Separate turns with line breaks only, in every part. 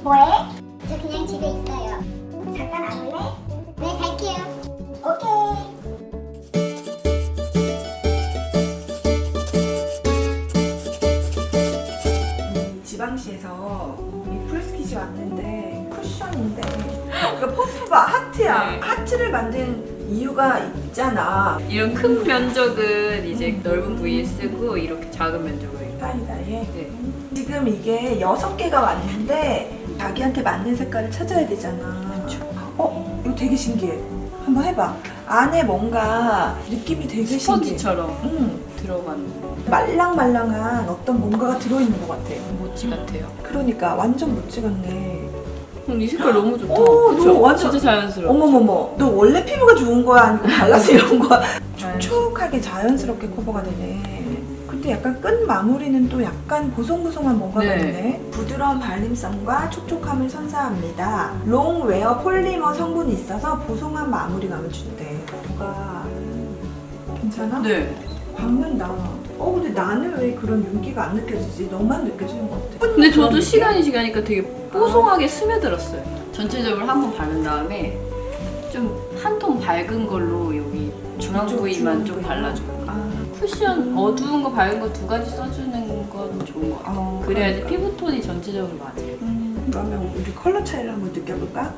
뭐해? 저 그냥 집에 있어요. 잠깐 안 올래? 네, 갈게요. 오케이.
지방시에서 이 프레스키지 왔는데 쿠션인데 그러니까 퍼프가 하트야.
네.
하트를 만든 이유가 있잖아.
이런 큰 면적은 이제 넓은 부위에 쓰고 이렇게 작은 면적으로 이렇게.
다이다이에.
네.
지금 이게 6개가 왔는데 자기한테 맞는 색깔을 찾아야 되잖아. 이거 되게 신기해. 한번 해봐. 안에 뭔가 느낌이 되게 신기해.
스펀지처럼 들어간
말랑말랑한 어떤 뭔가가 들어있는 것 같아.
모찌 같아요.
그러니까 완전 모찌 같네.
이 색깔 너무 좋다.
오,
그쵸?
너 완전-
진짜 자연스러워.
어머머머, 너 원래 피부가 좋은 거야? 아니면 발라서 이런 거야?
자연스러워.
촉촉하게 자연스럽게 커버가 되네. 근데 약간 끝 마무리는 또 약간 보송보송한 뭔가가
네.
있네. 부드러운 발림성과 촉촉함을 선사합니다. 롱웨어 폴리머 성분이 있어서 보송한 마무리감을 준대. 뭐가 괜찮아?
네.
박는다. 근데 나는 왜 그런 윤기가 안 느껴지지? 너만 느껴지는 것 같아.
근데 저도 시간이 지나니까 되게 뽀송하게 스며들었어요. 전체적으로 한 번 바른 다음에 좀 한 톤 밝은 걸로 여기 중앙 부위만 좀 발라주고. 쿠션 어두운 거 밝은 거 두 가지 써주는 건 좋은 것 같아요. 그래야지
그러니까.
피부톤이 전체적으로 맞아요.
그러면 우리 컬러 차이를 한번 느껴볼까?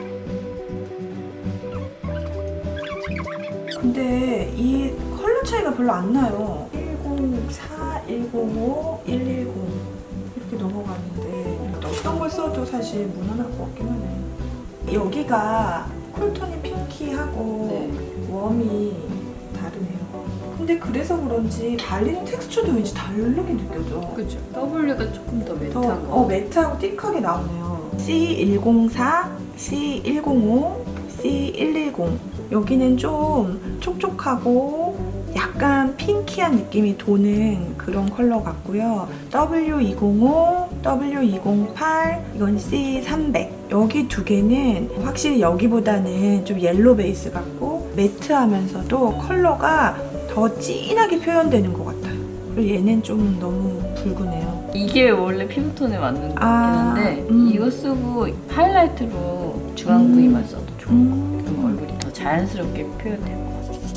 근데 이 컬러 차이가 별로 안 나요. 104, 105, 110 이렇게 넘어가는데 어떤 걸 써도 사실 무난할 것 같긴 하네. 여기가 쿨톤이 핑키하고
네.
웜이 다르네요. 근데 그래서 그런지 발리는 텍스처도 왠지 다르게 느껴져.
그죠. W가 조금 더 매트한 거.
매트하고 띡하게 나오네요. C104, C105, C110 여기는 좀 촉촉하고 약간 핑키한 느낌이 도는 그런 컬러 같고요. W205, W208 이건 C300 여기 두 개는 확실히 여기보다는 좀 옐로 베이스 같고 매트하면서도 컬러가 더 진하게 표현되는 것 같아요. 그리고 얘는 좀 너무 붉으네요.
이게 원래 피부톤에 맞는 거긴
아,
한데 이거 쓰고 하이라이트로 중앙 부위만 써도 좋은 거 같아요. 그럼 얼굴이 더 자연스럽게 표현되고.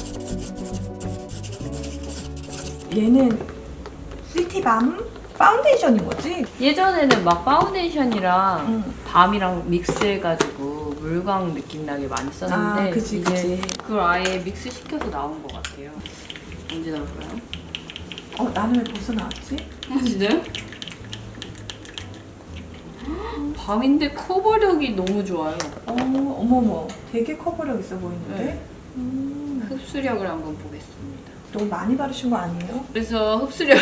얘는 시티밤 파운데이션인 거지?
예전에는 막 파운데이션이랑 밤이랑 믹스해가지고 물광 느낌 나게 많이 썼는데
그치,
이제
그치.
그걸 아예 믹스 시켜서 나온 것 같아요. 언제 나올까요?
나는 왜 벌써 나왔지?
진짜요? 밤인데 커버력이 너무 좋아요.
어머머, 되게 커버력 있어 보이는데?
네. 흡수력을 한번 보겠습니다.
너무 많이 바르신 거 아니에요?
그래서 흡수력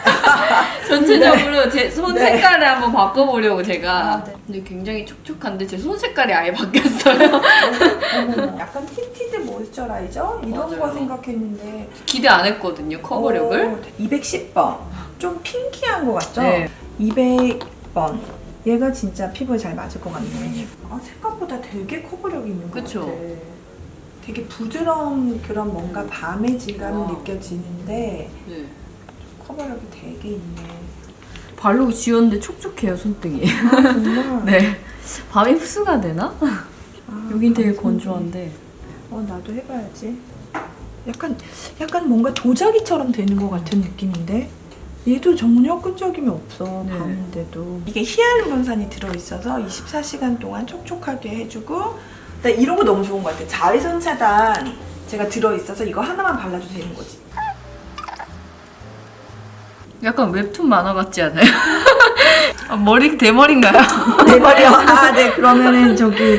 전체적으로 제 손
네.
색깔을 한번 바꿔보려고 제가.
네.
근데 굉장히 촉촉한데 제 손 색깔이 아예 바뀌었어요.
어머머, 약간 틴티드 모이스처라이저? 이런
맞아요.
거 생각했는데
기대 안 했거든요, 커버력을.
210번 좀 핑키한 거 같죠?
네.
200번 얘가 진짜 피부에 잘 맞을 것 같네. 생각보다 되게 커버력이 있는 것
그쵸?
같아. 되게 부드러운 그런 뭔가 밤의 질감이
와.
느껴지는데
네.
커버력이 되게 있네.
바르고 지웠는데 촉촉해요, 손등이.
정말?
네. 밤에 흡수가 되나? 여긴 되게
감사합니다.
건조한데.
나도 해봐야지. 약간 뭔가 도자기처럼 되는 것 같은 느낌인데 얘도 전혀 끈적임이 없어.
네.
밤인데도 이게 히알루론산이 들어있어서 24시간 동안 촉촉하게 해주고 나 이런 거 너무 좋은 것 같아. 자외선 차단 제가 들어있어서 이거 하나만 발라도 되는 거지.
약간 웹툰 만화 같지 않아요? 머리 대머리인가요?
내 머리요? 네. 그러면은 저기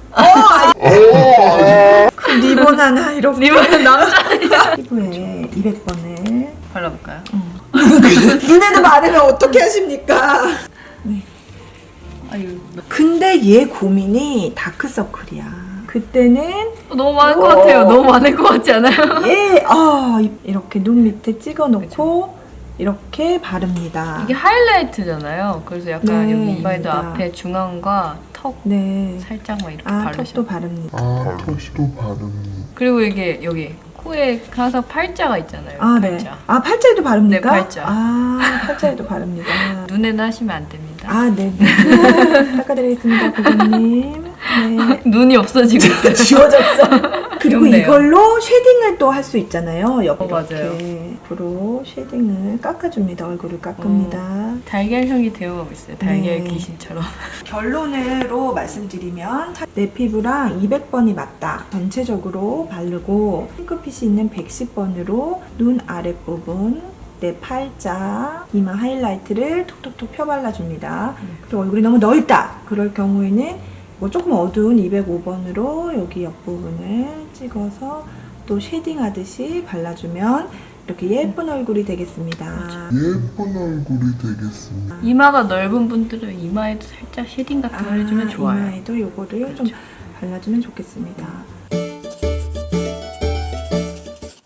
그 리본 하나 이렇게
님은 남자
피부에 200번을
발라볼까요?
눈에도 마르면 어떻게 하십니까?
아유,
근데 얘 고민이 다크서클이야. 그때는
너무 많을 것 같아요. 너무 많을 것 같지 않아요?
얘 이렇게 눈 밑에 찍어놓고 이렇게 바릅니다.
이게 하이라이트잖아요. 그래서 약간
네,
여기 이마에도
맞습니다.
앞에 중앙과 턱
네.
살짝만 이렇게
턱도
바르셔.
바릅니다.
턱도 바르는.
그리고 이게 여기 코에 항상 팔자가 있잖아요.
아, 네.
팔자.
아, 팔자에도 바릅니까?
네, 팔자.
아, 팔자에도 바릅니다.
눈에는 하시면 안 됩니다.
아, 네. 닦아드리겠습니다, 고객님. 네.
눈이 없어지고 있어요.
지워졌어. 그리고
귀엽네요.
이걸로 쉐딩을 또 할 수 있잖아요. 옆에
맞아요.
이렇게 앞으로 쉐딩을 깎아줍니다. 얼굴을 깎습니다.
달걀형이 되어가고 있어요. 달걀
네.
귀신처럼.
결론으로 말씀드리면 내 피부랑 200번이 맞다. 전체적으로 바르고 핑크빛이 있는 110번으로 눈 아랫부분, 내 팔자, 이마 하이라이트를 톡톡톡 펴발라줍니다. 그리고 얼굴이 너무 넓다. 그럴 경우에는 뭐 조금 어두운 205번으로 여기 옆부분을 찍어서 또 쉐딩하듯이 발라주면 이렇게 예쁜 얼굴이 되겠습니다.
예쁜 얼굴이 되겠습니다.
이마가 넓은 분들은 이마에도 살짝 쉐딩 같은 거 해주면 좋아요.
이마에도 요거를 좀 발라주면 좋겠습니다.